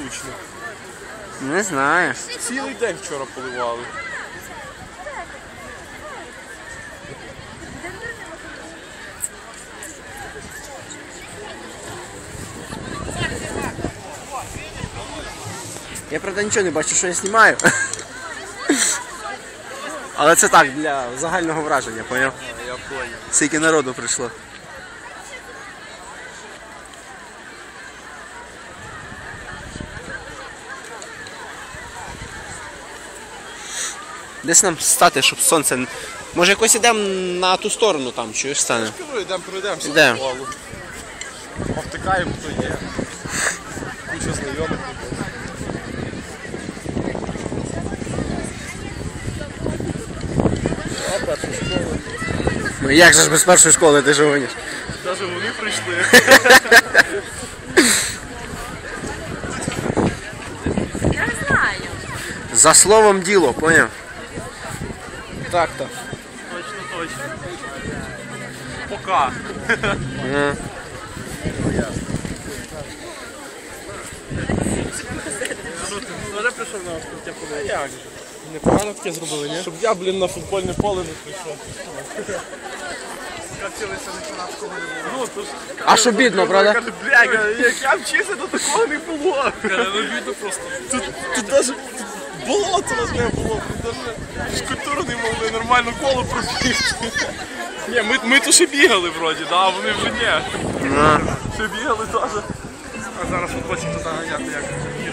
штучно? Не знаю. Цілий день вчора поливали. Я, правда, нічого не бачу, що я знімаю. Але це так, для загального враження, поняв? Я понял. Скільки народу прийшло. Десь нам стати, щоб сонце... Може якось ідемо на ту сторону там, чуєш, стане? Кажу, йдемо, пройдемося. Йдемо. по колу. Повтикаємо, хто є. Куча знайомих. А перша школа. Ну як же ж без першої школи ти ж гониш? Навіть вони прийшли. Я не знаю. За словом діло, поняв? Так-то. Точно, точно. Пока. Вже прийшов на відкриття подивитися. Як же? Непогано таке зробили, ні? Щоб я, на футбольне поле не прийшов. Катилися на канадського не було. Ну, А що бідно, правда? Каже, бля, як я вчився, то такого не було. Каже, ну бідно просто. Тут навіть болото не було. Тут навіть фізкультуру не могли нормально коло пробігти. Ні, ми то ще бігали вроді, а вони вже ні. Ще бігали теж. А зараз футбольчик туди ганяти як.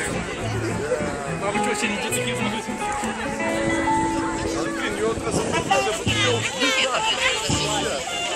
А ви чого, ще не дітки зробити? Але, блін, його треба забути, бо ти його вбив.